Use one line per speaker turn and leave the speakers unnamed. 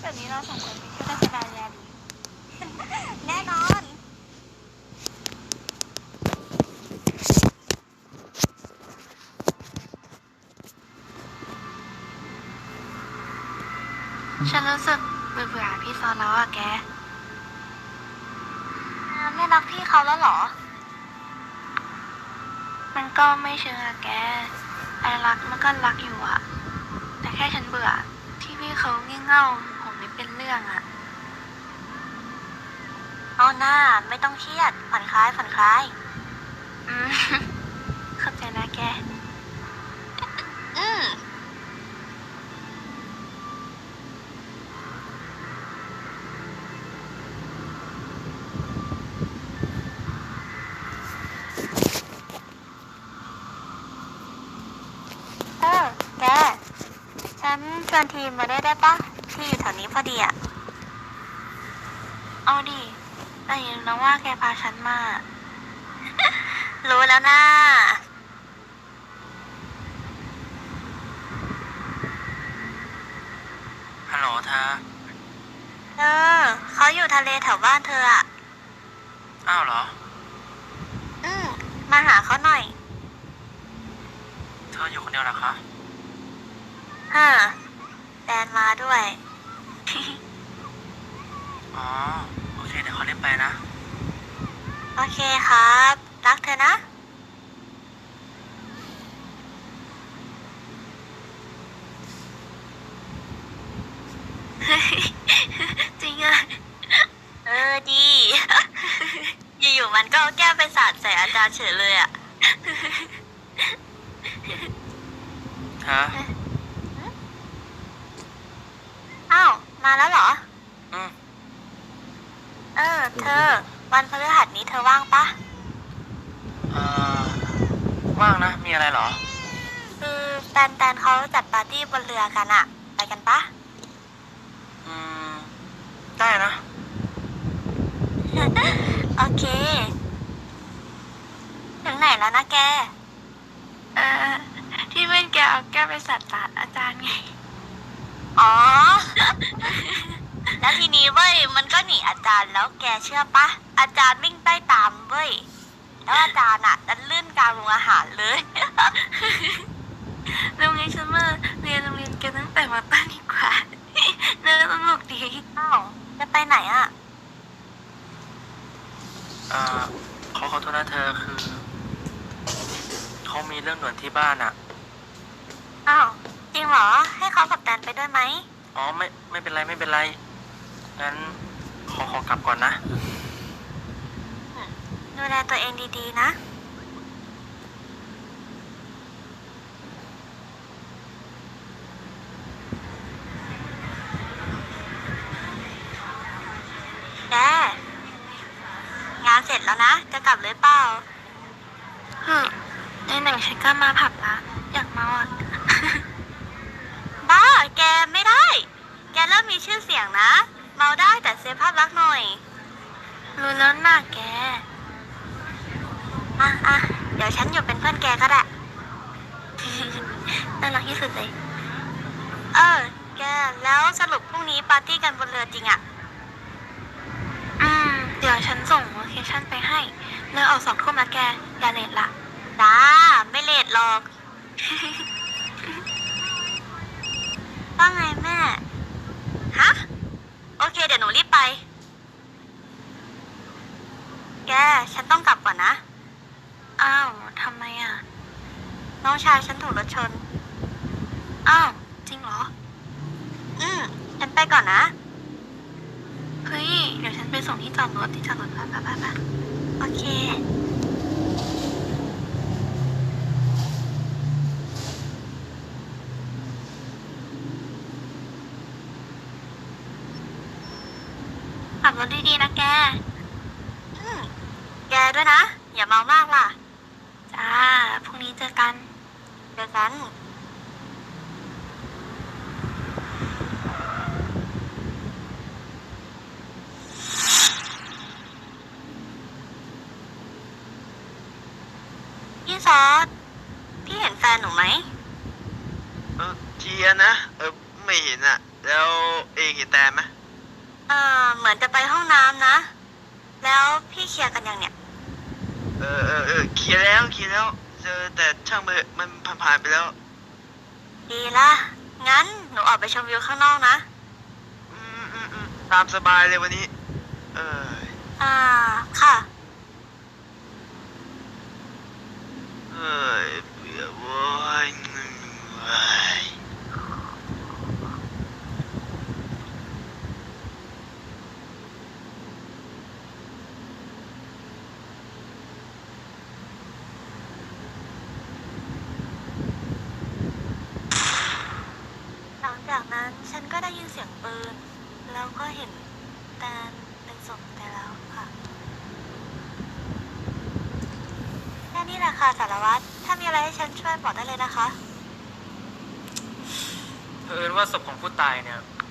แบบนี้เราสองคนไปเที่ยวราชดาญาดีแน่นอน ฉันรู้สึกเบื่อพี่ซอนแล้วอะแกไม่รักพี่เขาแล้วเหรอ มันก็ไม่เชิงอะแกไอรักมันก็รักอยู่อะแต่แค่ฉันเบื่อที่พี่เขางี่เง่าผมไม่เป็นเรื่องอะเอาหน้าไม่ต้องเครียดผ่อนคลายผ่อนคลายอืม เข้าใจนะแกอืมแกฉันชวนทีมมาได้ปะที่อยู่แถวนี้พอดีอะเอาดิแต่อย่าลืมนะว่าแกพาฉันมา รู้แล้วนะ
ฮัลโหลเธอ
เขาอยู่ทะเลแถวบ้านเธออ่ะ
อ้าวเหรอ
อืมมาหาเขาหน่อย
เธออยู่คนเดียวเหรอคะ
ฮ่าแฟนมาด้วย
อ๋อ โอเคเดี๋ยวเขาเรียกไปนะ
โอเคครับ รักเธอนะ จริงอ่ะ ดี อยู่ๆมันก็เอาแก้วไปสาดใส่อาจารย์เฉยเลยอ่ะ
เธอ
อ้าว มาแล้วเหรอ
อืม
เธอ วันพฤหัสนี้เธอว่างปะ
เอ่อ ว่างนะ มีอะไรเหรอ
คือแตนเขาจัดปาร์ตี้บนเรือกันอะไปกันปะ
อืม ได้นะ
โอเค ถึงไหนแล้วนะแก ที่เพื่อนแกเอาแก้วไปสัตว์สาดอาจารย์ไง อ๋อ แล้วทีนี้เว้ย มันก็หนีอาจารย์แล้วแกเชื่อปะ อาจารย์วิ่งไล่ตามเว้ย แล้วอาจารย์ดันลื่นกลางโรงอาหารเลย โรงเรียนฉันมาเรียนโรงเรียนแกตั้งแต่มาต้นดีกว่าน่าสนุกดีอ้าวจะไปไหนอ่ะ
เขาขอโทษนะเธอคือ เขามีเรื่องด่วนที่บ้านอ่ะ
อ้าวจริงเหรอ ให้เขากับแตนไปด้วยไหม
อ๋อ ไม่เป็นไรไม่เป็นไร งั้นขอกลับก่อนนะ
ดูแลตัวเองดีๆนะ แก งานเสร็จแล้วนะ จะกลับเลยเปล่าในหนังฉันก็มาผับละอยากเมาอ่ะ บ้า แกไม่ได้ แกเริ่มมีชื่อเสียงนะ เมาได้แต่เซฟภาพลักษณ์หน่อย รู้แล้วนะแก เดี๋ยวฉันอยู่เป็นเพื่อนแกก็ได้ น่ารักที่สุดเลย แก แล้วสรุปพรุ่งนี้ปาร์ตี้กันบนเรือจริงอะเดี๋ยวฉันส่งโลเคชั่นไปให้เรือออก2 ทุ่มนะแก อย่าเลทละจ้า ไม่เลทหรอก ว่าไงแม่ ฮะ โอเคเดี๋ยวหนูรีบไป แก ฉันต้องกลับก่อนนะ อ้าวทำไมอ่ะ น้องชายฉันถูกรถชน อ้าว จริงเหรอ ฉันไปก่อนนะ เฮ้ย เดี๋ยวฉันไปส่งที่จอดรถไปโอเค ขับรถดีๆนะแก แกด้วยนะ อย่าเมามากล่ะ จ้า พรุ่งนี้เจอกัน เจอกัน พี่ซอสพี่เห็นแฟนหนูไหม
เจียนะ ไม่ไม่เห็นอะแล้วเองเห็นแตนไหม
เหมือนจะไปห้องน้ำนะ แล้วพี่เคลียร์กันยังเนี่ย
เคลียร์แล้วเจอแต่ช่างมันเถอะมันผ่านไปแล้ว
ดีละงั้นหนูออกไปชมวิวข้างนอกนะ
ตามสบายเลยวันนี้ เออ
ค่ะ
เฮ้ยเบื่อเว้ยเหนื่อย
หลังจากนั้นฉันก็ได้ยินเสียงปืน แล้วก็เห็นแตนเป็นศพไปแล้วค่ะ แค่นี้แหละค่ะสารวัตร ถ้ามีอะไรให้ฉันช่วยบอกได้เลยนะคะ
เผอิญว่าศพของผู้ตายเนี่ย